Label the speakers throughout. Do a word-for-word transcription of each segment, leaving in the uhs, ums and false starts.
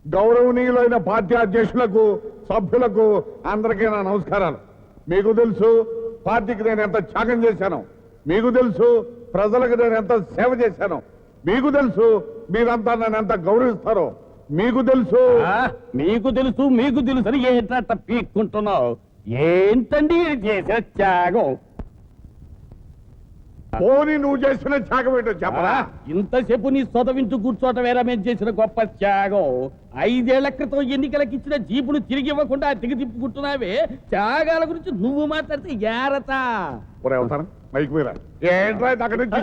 Speaker 1: గౌరవనీయులైన పార్టీ అధ్యక్షులకు, సభ్యులకు అందరికీ నా నమస్కారాలు. మీకు తెలుసు పార్టీకి నేను ఎంత త్యాగం చేశాను, మీకు తెలుసు ప్రజలకు నేను ఎంత సేవ చేశాను, మీకు తెలుసు మీరంతా నన్ను ఎంత గౌరవిస్తారో మీకు తెలుసు.
Speaker 2: మీకు తెలుసు మీకు తెలుసు అని ఏంట పీక్కుంటున్నావు? ఏంటండి చేసిన త్యాగం?
Speaker 1: పోనీ నువ్వు చేసిన త్యాగం ఏంటో చెప్పరా?
Speaker 2: ఇంతసేపు నీ సొదవించు కూర్చోటమేరా మేము చేసిన గొప్ప త్యాగం. ఐదేళ్ల క్రితం ఎన్నికలకు ఇచ్చిన జీపును తిరిగి ఇవ్వకుండా తిరిగి తిప్పుకుంటున్నావే. త్యాగాల గురించి నువ్వు మాట్లాడితే ఏరత
Speaker 1: మైక్ మీద ఏంట్రా అక్కడి నుంచి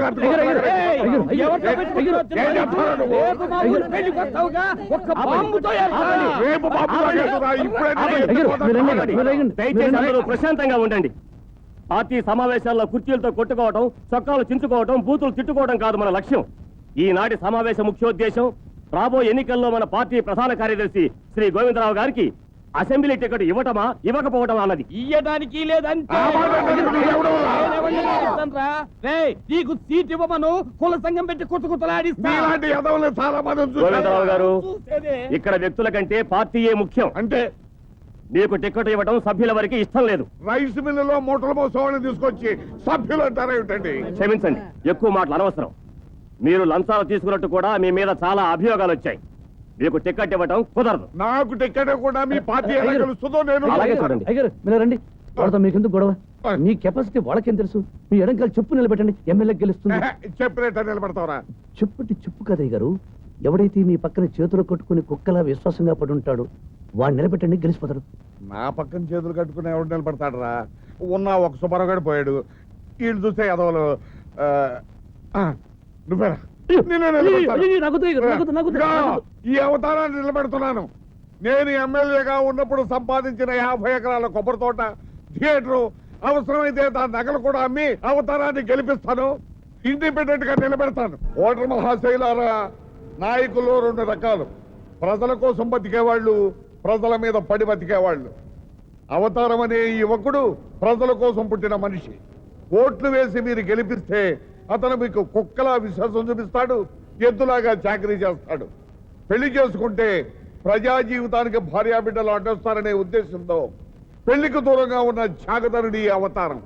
Speaker 3: ప్రశాంతంగా ఉండండి. పార్టీ సమావేశాల్లో కుర్చీలతో కొట్టుకోవడం, చొక్కాలు చించుకోవడం, బూతులు తిట్టుకోవడం కాదు మన లక్ష్యం. ఈనాటి సమావేశ ముఖ్యోద్దేశం రాబోయే ఎన్నికల్లో మన పార్టీ ప్రధాన కార్యదర్శి శ్రీ గోవిందరావు గారికి అసెంబ్లీ టికెట్ ఇవ్వటమా ఇవ్వకపోవటమా అన్నది.
Speaker 2: ఇయ్యడానికి లేదంటే నీకు సీట్ ఇవ్వమను కుల సంఘం పెట్టి కొట్టు కుట్టలాడిస్తా.
Speaker 3: గోవిందరావు గారు, ఇక్కడ వ్యక్తుల కంటే పార్టీయే ముఖ్యం.
Speaker 1: అంటే
Speaker 3: మీకు టికెట్ ఇవ్వడం సభ్యుల వరకు ఇష్టం లేదు.
Speaker 1: రైస్ మిల్లులో మూటల మోసవాళ్ళని తీసుకొచ్చి సభ్యులు అంటారా ఏమిటండి?
Speaker 3: క్షమించండి, ఎక్కువ మాటలు అనవసరం. మీరు లంచాలు తీసుకున్నట్టు కూడా మీ మీద చాలా అభియోగాలు వచ్చాయి. మీకు టికెట్ ఇవ్వడం కుదరదు.
Speaker 1: నాకు టికెట్ కూడా మీ పార్టీ ఎలా తెలుస్తుందో నేను
Speaker 3: అలాగే చూడండి.
Speaker 4: అయ్యారు మీరు రండి. వాళ్ళతో మీకెందుకు గొడవ? మీ కెపాసిటీ వాళ్ళకేం తెలుసు? మీ ఎడంకాలు చెప్పు నిలబెట్టండి, ఎమ్మెల్యే గెలుస్తుంది.
Speaker 1: చెప్పినట్టు నిలబడతావరా?
Speaker 4: చెప్పుటి చెప్పు కదయ్య గారు. ఎవడైతే మీ పక్కన చేతులు కట్టుకుని కుక్కలా విశ్వాసంగా పడి ఉంటాడు వాడు నిలబెట్టండి, గెలిచిపోతాడు.
Speaker 1: నా పక్కన చేతులు కట్టుకుని ఎవడు నిలబడతాడు రా? ఉన్న ఒక సుబ్బారావు పోయాడు. వీళ్ళు చూస్తే ఎదవలు. నువ్వేరా ఈ అవతారాన్ని నిలబెడుతున్నాను. నేను ఎమ్మెల్యేగా ఉన్నప్పుడు సంపాదించిన యాభై ఎకరాల కొబ్బరి తోట, థియేటరు, అవసరమైతే దాని నగలు కూడా అమ్మి అవతారాన్ని గెలిపిస్తాను. ఇండిపెండెంట్ గా నిలబెడతాను. ఓటర్ మహాశైలారా, నాయకులు రెండు రకాలు. ప్రజల కోసం బతికేవాళ్ళు, ప్రజల మీద పడి బతికేవాళ్ళు. అవతారం అనే ఈ యువకుడు ప్రజల కోసం పుట్టిన మనిషి. ఓట్లు వేసి మీరు గెలిపిస్తే అతను మీకు కుక్కలా విశ్వాసం చూపిస్తాడు, ఎద్దులాగా చాకరీ చేస్తాడు. పెళ్లి చేసుకుంటే ప్రజా జీవితానికి భార్యాబిడ్డలు అడ్డొస్తారనే ఉద్దేశంతో పెళ్లికి దూరంగా ఉన్న త్యాగధనుడి అవతారం.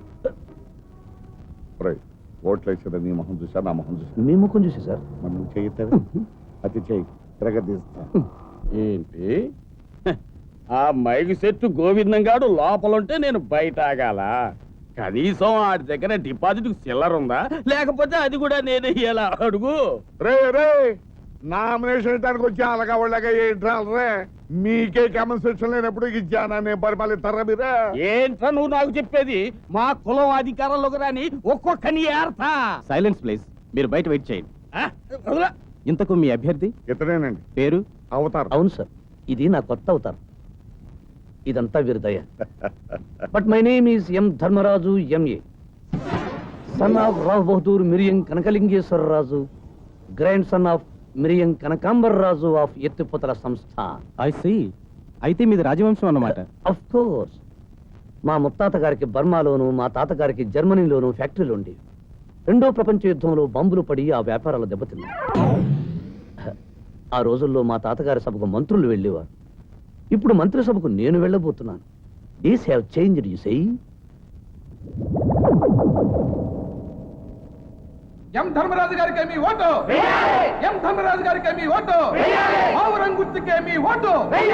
Speaker 1: ఓట్లు వేసేదా నీ మొహం చూసా, నా మొహం చూసా?
Speaker 4: మీ ముఖం చూసి సార్.
Speaker 1: మనం చేయితే అతి చేయి తిరగదీస్తా.
Speaker 2: ఏంటి ఆ మైకి సెట్టు గోవిందంగాడు లోపలుంటే నేను బయట ఆగాల? కనీసం ఆడి దగ్గర డిపాజిట్ చిల్లర ఉందా? లేకపోతే అది కూడా నేను ఎలా అడుగు?
Speaker 1: రే రే నామినేషన్ ఇవ్వడానికి వచ్చి అలాగా వాళ్ళగా ఏంట్రా రే? మీకే కన్సెషన్ లేనప్పుడు ఇచ్చానా నేను పరిపాలిస్తారా మీరే?
Speaker 2: ఏంట్రా నువ్వు నాకు చెప్పేది? మా కులం అధికారంలోకి రాని ఒక్కొక్కని ఏర్తా.
Speaker 5: Silence please. మీరు బయట వెయిట్ చేయండి. ఇంతకు మీ అభ్యర్థి
Speaker 1: ఇతనేనండి,
Speaker 5: పేరు
Speaker 1: అవతారం.
Speaker 4: అవును సార్, ఇది నా కొత్త అవతారం. ఇదంతా వీరిదయ. But my name is M Dharmaraju, MA, son of Rao Bahadur Miriyam Kanakalingeswara Raju, grandson of Miriyam Kanakambar Raju of ఎత్తిపోతల సంస్థ.
Speaker 5: I see. అయితే మీది రాజవంశం అన్నమాట.
Speaker 4: Of course. మా ముత్తాత గారికి బర్మాలోను, మా తాతగారికి జర్మనీలోను ఫ్యాక్టరీలు ఉండేవి. రెండో ప్రపంచ యుద్ధంలో బాంబులు పడి ఆ వ్యాపారాలు దెబ్బతిన్నాయి. ఆ రోజుల్లో మా తాతగారి సభకు మంత్రులు వెళ్ళేవారు. ఇప్పుడు మంత్రిసభకు నేను వెళ్ళబోతున్నాను. These have changed you see.
Speaker 6: M Dharmaraju గారికి మీ ఓటు, ఎం ధర్మరాజు గారికి మీ ఓటు, ఆవురంగుర్తికి మీ ఓటు.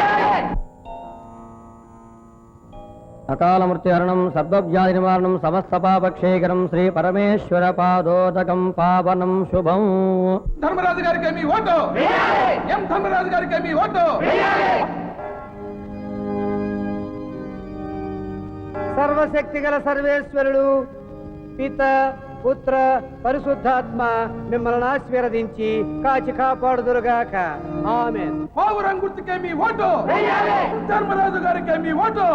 Speaker 7: అకాల మృత్యుహరణం సర్వవ్యాధి నివారణం సమస్త పాపక్షేకరం శ్రీ పరమేశ్వర పాదోదకం పావనం శుభం.
Speaker 6: ధర్మరాజు గారికి మీ ఓటు, ఎం ధర్మరాజు గారికి మీ ఓటు.
Speaker 7: సర్వశక్తి గల సర్వేశ్వరుడు పిత పుత్ర పరిశుద్ధాత్మ మిమ్మల్ని ఆశీర్వదించి కాచి కాపాడుదురుగాక. ఆమేన్.
Speaker 6: ఆవురంగుర్తికి మీ ఓటు, ధర్మరాజు గారికి మీ ఓటు.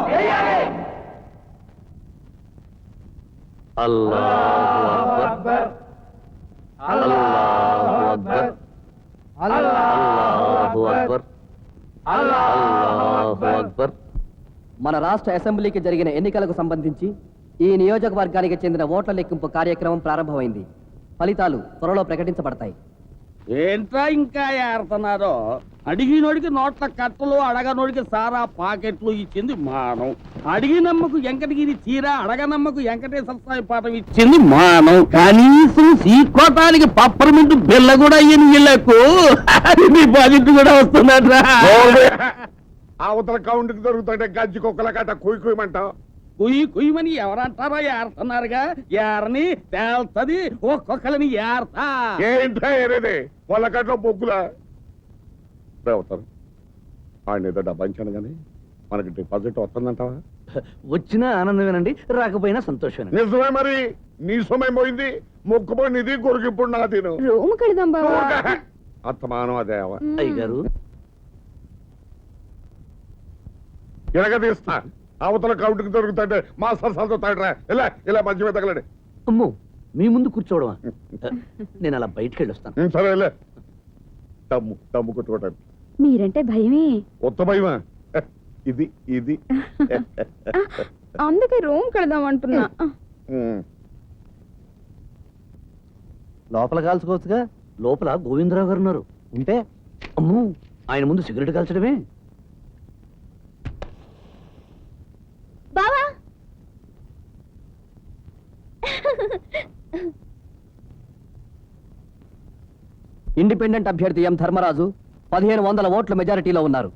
Speaker 4: అల్లాహు అక్బర్, అల్లాహు అక్బర్, అల్లాహు అక్బర్, అల్లాహు అక్బర్.
Speaker 7: మన రాష్ట్ర అసెంబ్లీకి జరిగిన ఎన్నికలకు సంబంధించి ఈ నియోజకవర్గానికి చెందిన ఓట్ల లెక్కింపు కార్యక్రమం ప్రారంభమైంది. ఫలితాలు త్వరలో ప్రకటించబడతాయి.
Speaker 2: ఏంట్రా ఇంకా ఏడుతున్నారో? అడిగినోడికి నోట్ల కట్టలు అడగనోడికి సారా పాకెట్లు ఇచ్చింది మానం. అడిగినమ్మకు వెంకటగిరి చీర అడగనమ్మకు వెంకటేశ్వర స్వామి పాఠం ఇచ్చింది మానం. కనీసం సీకోటానికి పప్పరమింటు బిల్ల కూడా అయ్యింది వీళ్ళకు. డిపాజిట్ కూడా వస్తున్నట్రా.
Speaker 1: అవతల కౌంట్కి దొరుకుతుంటే గజ్జి కుక్కల కట్ట కుయ్ కుయమంటావు.
Speaker 2: కుయ్యి కుయ్యమని ఎవరంటారో ఏరుతున్నారుగా. ఏరని తేల్తది ఒక్కొక్కరిని ఏరతా.
Speaker 1: ఏంటా ఏరేది వాళ్ళ కట్ల బొగ్గులా అవుతారు. ఆయన ఏదో డబ్బా ఇచ్చాను కానీ మనకి డిపాజిట్ వస్తుందంటావా?
Speaker 4: వచ్చినా ఆనందమేనండి, రాకపోయినా సంతోషమే.
Speaker 1: నిజమే మరి. నీ సమయం పోయింది, మొక్కుపోయి నిధి కొడుకిప్పుడు నా తిను
Speaker 8: రూమ్ కడదాం బాబా.
Speaker 1: అత్తమానం అదే
Speaker 4: అయ్యగారు
Speaker 1: ఎలాగ తీస్తా. అవతల కౌంట్కి దొరుకుతుంటే మా సరసాలతో తాడరా. ఇలా ఇలా మంచి మీద తగలడి.
Speaker 4: అమ్మో, మీ ముందు కూర్చోవడమా? నేను అలా బయటికి వెళ్ళొస్తాను.
Speaker 1: సరే లే. దమ్ము దమ్ము కొట్టుకోవటానికి
Speaker 8: మీరంటే భయమే.
Speaker 1: కొత్త భయమా? ఇది ఇది
Speaker 8: అందుకే రూమ్ కడదాం అంటున్నా.
Speaker 4: లోపల కాల్చుకోవచ్చుగా. లోపల గోవిందరావు గారు ఉన్నారు. ఉంటే అమ్మో, ఆయన ముందు సిగరెట్ కాల్చడమే.
Speaker 8: బావా
Speaker 7: ఇండిపెండెంట్ అభ్యర్థి ఎం ధర్మరాజు పదిహేను వందల ఓట్ల మెజారిటీలో ఉన్నారు.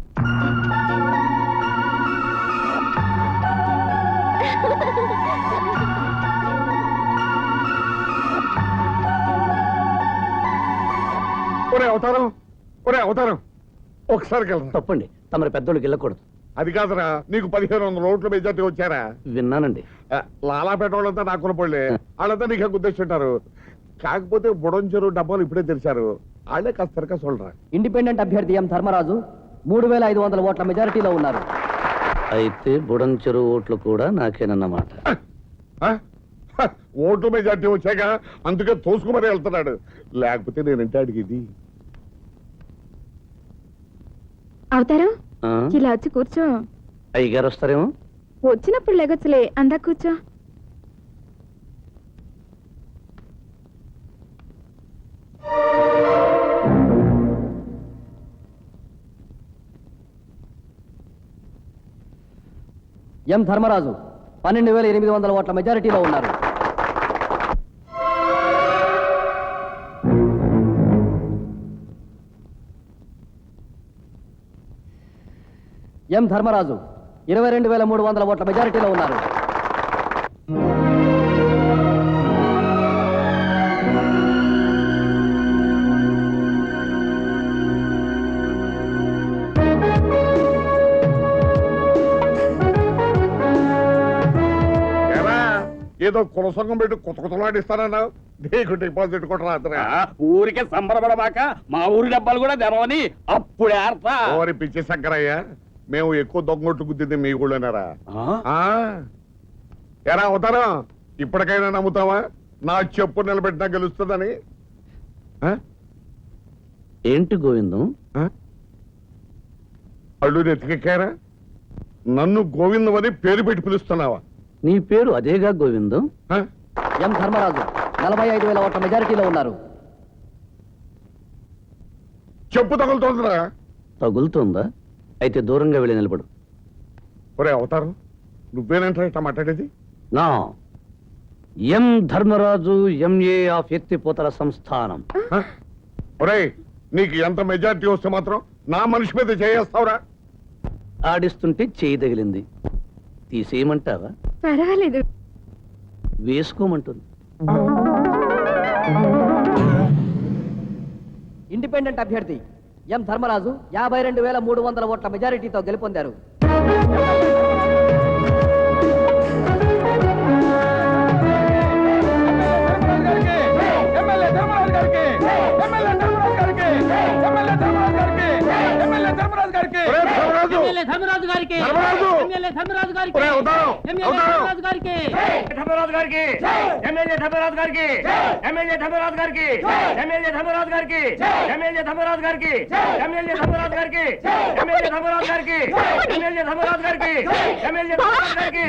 Speaker 1: ఒరే అవతారం, ఒరే అవతారం, ఒకసారి వెళ్ళరా.
Speaker 4: తప్పండి, తమరి పెద్దోళ్ళకి వెళ్ళకూడదు.
Speaker 1: అది కాదురా, నీకు పదిహేను వందల ఓట్ల మెజార్టీ వచ్చారా?
Speaker 4: విన్నానండి.
Speaker 1: ఆ, లాలాపేట వాళ్ళంతా నాకున్న పళ్ళే. వాళ్ళంతా నీకు గుర్తిస్తుంటారు. కాకపోతే బుడంచెరు డబ్బాలు ఇప్పుడే తెరిచారు. వాళ్ళే కాస్త తెరక చూడరా.
Speaker 7: ఇండిపెండెంట్ అభ్యర్థి ఎం ధర్మరాజు మూడు వేల ఐదు వందల ఓట్ల మెజారిటీలో ఉన్నారు.
Speaker 4: అయితే బుడంచెరు ఓట్లు కూడా నాకేనన్నమాట.
Speaker 1: ఆ? హ, ఓట్ల మెజార్టీ వచ్చాక అందుకే తోసుకుమరీ వెళ్తున్నాడు. లేకపోతే నేనంటే అడిగేది.
Speaker 8: అవుతారు
Speaker 4: ఆ?
Speaker 8: ఇలా వచ్చి కూర్చో.
Speaker 4: అయ్యగారు వస్తారేమో.
Speaker 8: వచ్చినప్పుడు లెగొచ్చులే, అందా కూర్చో.
Speaker 7: ఎం ధర్మరాజు పన్నెండు వేల ఎనిమిది వందల ఓట్ల మెజారిటీలో ఉన్నారు. ఎం ధర్మరాజు ఇరవై రెండు వేల మూడు వందల ఓట్ల మెజారిటీలో ఉన్నారు.
Speaker 1: ఏరా, ఏదో కులసంగం పెట్టి కొత్త కొత్తలాడిస్తానన్నావు. నీకు డిపాజిట్ కూడా రాత్రా.
Speaker 2: ఆ, ఊరికే సంబరపడమాక మా ఊరి డబ్బాలు కూడా తెరవని అప్పుడు ఏరతా.
Speaker 1: ఓరి పిచ్చి శంకరయ్య, మేము ఎక్కువ దొంగొట్టు గుద్దింది మీ ఊళ్ళోనారా? ఆ? ఎరా అవుతారా? ఇప్పటికైనా నమ్ముతావా నా చెప్పు నిలబెట్టినా గెలుస్తుందని? ఆ?
Speaker 4: ఏంటి గోవిందం?
Speaker 1: ఆ? అల్లు నెత్తికెక్కారా? నన్ను గోవిందం అని పేరు పెట్టి పిలుస్తున్నావా?
Speaker 4: నీ పేరు అదేగా గోవిందం.
Speaker 1: ఆ?
Speaker 7: ఎం ధర్మరాజు నలభై ఐదు వేల ఓట్ల మెజారిటీలో ఉన్నారు.
Speaker 1: చెప్పు తగులుతోందిరా.
Speaker 4: తగులుతోందా? అయితే దూరంగా వెళ్ళి నిలబడు.
Speaker 1: ఒరే అవతారం, నువ్వేనంటారా ఇట్లా మాట్లాడేది?
Speaker 4: నా ఎం ధర్మరాజు ఎంఏ ఆఫ్ ఎత్తిపోతల సంస్థానం.
Speaker 1: ఆ? ఒరే, నీకు ఎంత మెజార్టీ వస్తే మాత్రం నా మనిషి మీద చేయేస్తావురా?
Speaker 4: ఆడిస్తుంటే చేయి తగిలింది. తీసేయమంటావా?
Speaker 8: పర్వాలేదు.
Speaker 4: వేసుకోమంటుంది.
Speaker 7: ఇండిపెండెంట్ అభ్యర్థి ఎం ధర్మరాజు యాభై రెండు వేల మూడు వందల ఓట్ల మెజారిటీతో గెలుపొందారు.
Speaker 6: ఎమ్మెల్యే ధర్మరాజు గారికి, ఎమ్మెల్యే ధర్మరాజు గారికి, ఎమ్మెల్యే ధర్మరాజు గారికి, ఎమ్మెల్యే ధర్మరాజు గారికి.
Speaker 1: ఒరే ధర్మరాజు!
Speaker 9: ధర్మరాజు గారికి
Speaker 1: ధర్మరాజు!
Speaker 9: ఎమ్మెల్యే ధర్మరాజు గారికి
Speaker 1: ఒరే అవతారం!
Speaker 9: ఎమ్మెల్యే
Speaker 1: అవతారం!
Speaker 9: ధర్మరాజు గారికి
Speaker 3: ధర్మరాజు గారికి ఎమ్మెల్యే ధర్మరాజు గారికి ఎమ్మెల్యే ధర్మరాజు గారికి ఎమ్మెల్యే ధర్మరాజు గారికి ఎమ్మెల్యే ధర్మరాజు గారికి ఎమ్మెల్యే ధర్మరాజు గారికి ఎమ్మెల్యే ధర్మరాజు గారికి ఎమ్మెల్యే ధర్మరాజు గారికి ఎమ్మెల్యే ధర్మరాజు గారికి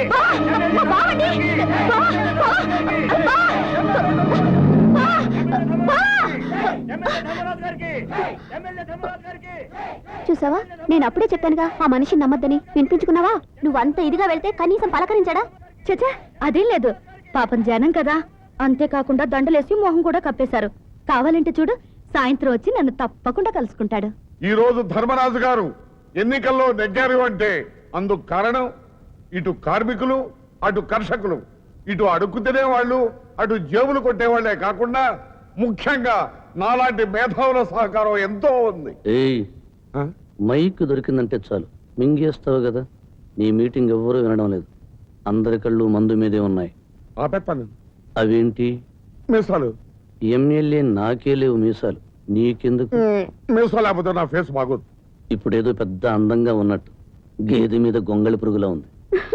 Speaker 3: ఎమ్మెల్యే ధర్మరాజు గారికి
Speaker 8: చూసావా నేను అప్పుడే చెప్పానుగా ఆ మనిషిని నమ్మద్దని. వినిపించుకున్నావా? నువ్వు అంత ఇదిగా వెళ్తే కనీసం పలకరించాడా? చచ్చా అదేం లేదు, పాపం జనం కదా. అంతేకాకుండా దండలేసి మొహం కూడా కప్పేశారు. కావాలంటే చూడు, సాయంత్రం వచ్చి నన్ను తప్పకుండా కలుసుకుంటాడు.
Speaker 1: ఈ రోజు ధర్మరాజు గారు ఎన్నికల్లో నెగ్గారు అంటే అందుకు కారణం ఇటు కార్మికులు, అటు కర్షకులు, ఇటు అడుక్కు తినేవాళ్ళు, అటు జేబులు కొట్టేవాళ్లే కాకుండా ముఖ్యంగా నాలాంటి మేధావుల సహకారం ఎంతో ఉంది.
Speaker 4: ఏయ్,
Speaker 1: ఆ?
Speaker 4: మైక్ దొరికిందంటే చాలు మింగేస్తావు కదా. నీ మీటింగ్ ఎవ్వరూ వినడం లేదు. అందరి కళ్ళు మందు మీదే ఉన్నాయి.
Speaker 1: ఆపేస్తాను.
Speaker 4: అవేంటి?
Speaker 1: మీసాలు.
Speaker 4: ఎమ్మెల్యే నాకే లేవు మీసాలు, నీకెందుకు?
Speaker 1: మీసాలు లేకపోతే నా ఫేస్ బాగోదు.
Speaker 4: ఇప్పుడేదో పెద్ద అందంగా ఉన్నట్టు గేదె మీద గొంగళి పురుగులా ఉంది.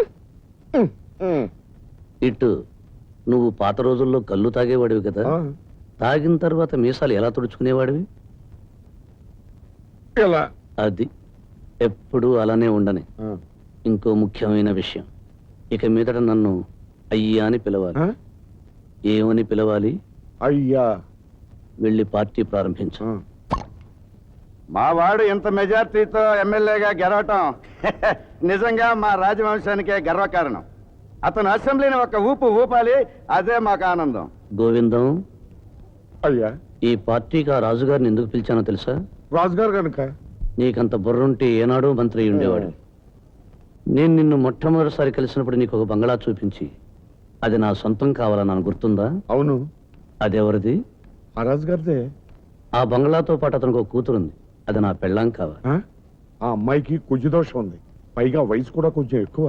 Speaker 4: ఇటు నువ్వు పాత రోజుల్లో కళ్ళు తాగేవాడివి కదా,
Speaker 1: ఆ,
Speaker 4: తాగిన తర్వాత మీసాలు ఎలా తుడుచుకునేవాడివి?
Speaker 1: ఇలా.
Speaker 4: అది ఎప్పుడూ అలానే ఉండని.
Speaker 1: ఆ,
Speaker 4: ఇంకో ముఖ్యమైన విషయం, ఇక మీదట నన్ను అయ్యా అని పిలవాలి.
Speaker 1: ఆ?
Speaker 4: ఏమని పిలవాలి?
Speaker 1: అయ్యా.
Speaker 4: వెళ్ళి పార్టీ ప్రారంభించు.
Speaker 1: ఆ.
Speaker 2: మా వాడు ఇంత మెజార్టీతో ఎమ్మెల్యేగా గెలవటం నిజంగా మా రాజవంశానికే గర్వకారణం. అతను అసెంబ్లీని ఒక ఊపు ఊపాలి, అదే మాకు ఆనందం.
Speaker 4: గోవిందం,
Speaker 1: అయ్యా.
Speaker 4: ఈ పార్టీకి ఆ రాజుగారిని ఎందుకు పిలిచానో తెలుసా?
Speaker 1: రాజుగారు కనుక.
Speaker 4: నీకంత బుర్రుంటే ఏనాడో మంత్రి అయి ఉండేవాడు. నేను నిన్ను మొట్టమొదటిసారి కలిసినప్పుడు నీకు ఒక బంగళా చూపించి అది నా సొంతం కావాలన్నాను, గుర్తుందా?
Speaker 1: అవును.
Speaker 4: అదెవరిది?
Speaker 1: ఆ రాజుగారిదే.
Speaker 4: ఆ బంగళాతో పాటు అతనికి ఒక కూతురుంది, అది నా పెళ్ళాం కావాలి.
Speaker 1: ఆ? ఆ అమ్మాయికి కుజు దోషం ఉంది, పైగా వయసు కూడా కొంచెం ఎక్కువ.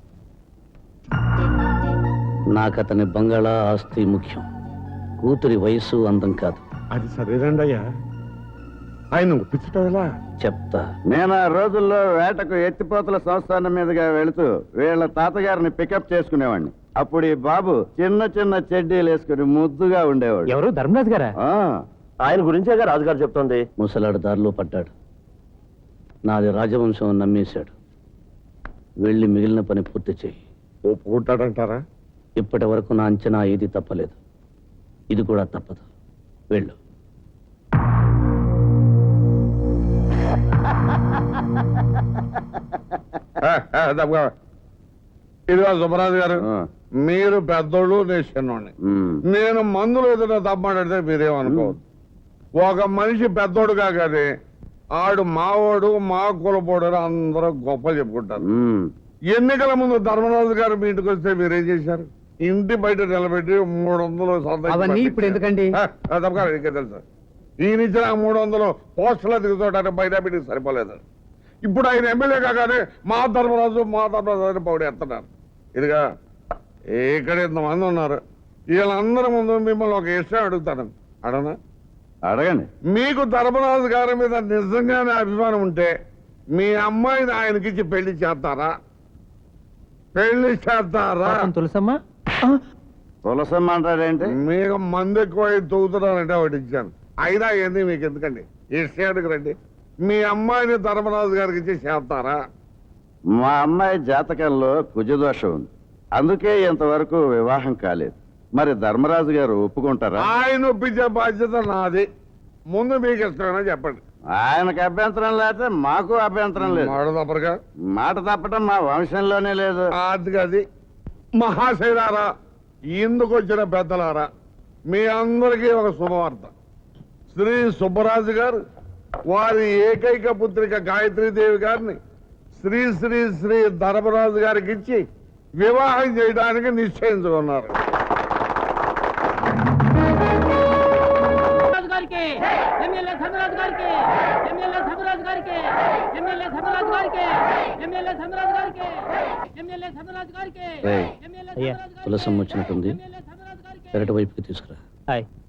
Speaker 4: నాకు అతని బంగళా ఆస్తి ముఖ్యం, కూతురి వయసు అందం కాదు.
Speaker 1: అది సరేనండి అయ్యా. ఆయన ఒప్పించటం ఎలా?
Speaker 4: చెప్తా.
Speaker 2: నేను ఆ రోజుల్లో వేటకు ఎత్తిపోతల సంస్థానం మీదుగా వెళుతూ వీళ్ళ తాతగారిని పికప్ చేసుకునేవాడిని. అప్పుడు ఈ బాబు చిన్న చిన్న చెడ్డీలు వేసుకుని ముద్దుగా ఉండేవాడు.
Speaker 3: ఎవరు? ధర్మరాజు గారా?
Speaker 2: ఆ,
Speaker 3: ఆయన గురించేగా రాజుగారు చెప్తోంది.
Speaker 4: ముసలాడు దారిలో పడ్డాడు, నాది రాజవంశం నమ్మేశాడు. వెళ్ళి మిగిలిన పని పూర్తి చేయి.
Speaker 1: ఒప్పుకుంటాడంటారా?
Speaker 4: ఇప్పటి వరకు నా అంచనా ఏది తప్పలేదు, ఇది కూడా తప్పదు. వెళ్ళు.
Speaker 1: ఆ, ఆ, దబ్బగా. ఇదిగో సుబ్బరాజు గారు,
Speaker 2: ఆ.
Speaker 1: మీరు పెద్దోళ్ళు, నేను చిన్నోడిని.
Speaker 2: ఉమ్.
Speaker 1: నేను మందులు ఏదైనా తప్పమాడితే మీరేమనుకోవద్దు. ఒక మనిషి పెద్దోడుగా కానీ ఆడు మావోడు, మా కులపోడు అని అందరూ గొప్పలు చెప్పుకుంటారు.
Speaker 2: ఉమ్.
Speaker 1: ఎన్నికల ముందు ధర్మరాజు గారు మీ ఇంటికి వస్తే మీరేం చేశారు? ఇంటి బయట నిలబెట్టి మూడు వందలు సంతకం
Speaker 7: అవన్నీ ఇప్పుడు
Speaker 1: పెట్టించారు.
Speaker 7: ఎందుకండి?
Speaker 1: ఆ, ఆ, తప్పకా, నీకే తెలుసు. ఈయన ఇచ్చిన ఆ మూడు వందలు పోస్టులో దిగుతుంటే బయట పెట్టి సరిపోలేదు. ఇప్పుడు ఆయన ఎమ్మెల్యే కాగానే మా ధర్మరాజు మా ధర్మరాజు అని పౌడి ఎత్తున్నారు. ఇదిగా ఇక్కడ ఇంతమంది ఉన్నారు, వీళ్ళందరి ముందు మిమ్మల్ని ఒక విషయం అడుగుతాను, అడనా?
Speaker 2: అడగండి.
Speaker 1: మీకు ధర్మరాజు గారి మీద నిజంగానే అభిమానం ఉంటే మీ అమ్మాయిని ఆయనకిచ్చి పెళ్లి చేస్తారా? పెళ్లి చేస్తారా?
Speaker 7: తులసమ్మా,
Speaker 2: తులసమ్మ అంటాడేంటి?
Speaker 1: మీకు మంది ఎక్కువ తూగుతున్నారంటే ఒకటి ఇచ్చాను. అయినా ఏంది మీకు ఎందుకండి? ఈ స్టేట్కి రండి. మీ అమ్మాయిని ధర్మరాజు గారికి ఇచ్చి చేస్తారా?
Speaker 2: మా అమ్మాయి జాతకంలో కుజదోషం ఉంది, అందుకే ఇంతవరకు వివాహం కాలేదు. మరి ధర్మరాజు గారు ఒప్పుకుంటారా?
Speaker 1: ఆయన ఒప్పించే బాధ్యత నాది. ముందు మీకు ఇష్టమైనా చెప్పండి.
Speaker 2: ఆయనకు అభ్యంతరం లేకపోతే మాకు అభ్యంతరం లేదు.
Speaker 1: మాట తప్పరుగా.
Speaker 2: మాట తప్పటం మా వంశంలోనే లేదు.
Speaker 1: అది అది మహాశైలారా, ఇందుకు వచ్చిన పెద్దలారా, మీ అందరికీ ఒక శుభవార్త. శ్రీ సుబ్బరాజు గారు వారి ఏకైక పుత్రిక గాయత్రీదేవి గారిని శ్రీ శ్రీ శ్రీ ధర్మరాజు గారికి ఇచ్చి వివాహం చేయడానికి నిశ్చయించుకున్నారు.
Speaker 9: గారికి ఎమ్మెల్యే ధర్మరాజు గారికి ఎమ్మెల్యే ధర్మరాజు గారికి ఎమ్మెల్యే ధర్మరాజు గారికి ఎమ్మెల్యే ధర్మరాజు గారికి ఎమ్మెల్యే ధర్మరాజు గారికి
Speaker 4: ఏయ్,
Speaker 9: ఎమ్మెల్యే
Speaker 7: అయ్యా,
Speaker 9: ధర్మరాజు గారికి
Speaker 4: తులసమ్మ వచ్చినట్టుంది,
Speaker 9: ఎమ్మెల్యే ధర్మరాజు గారికి
Speaker 4: పెరటి వైపుకి తీసుకురా.
Speaker 7: హాయ్.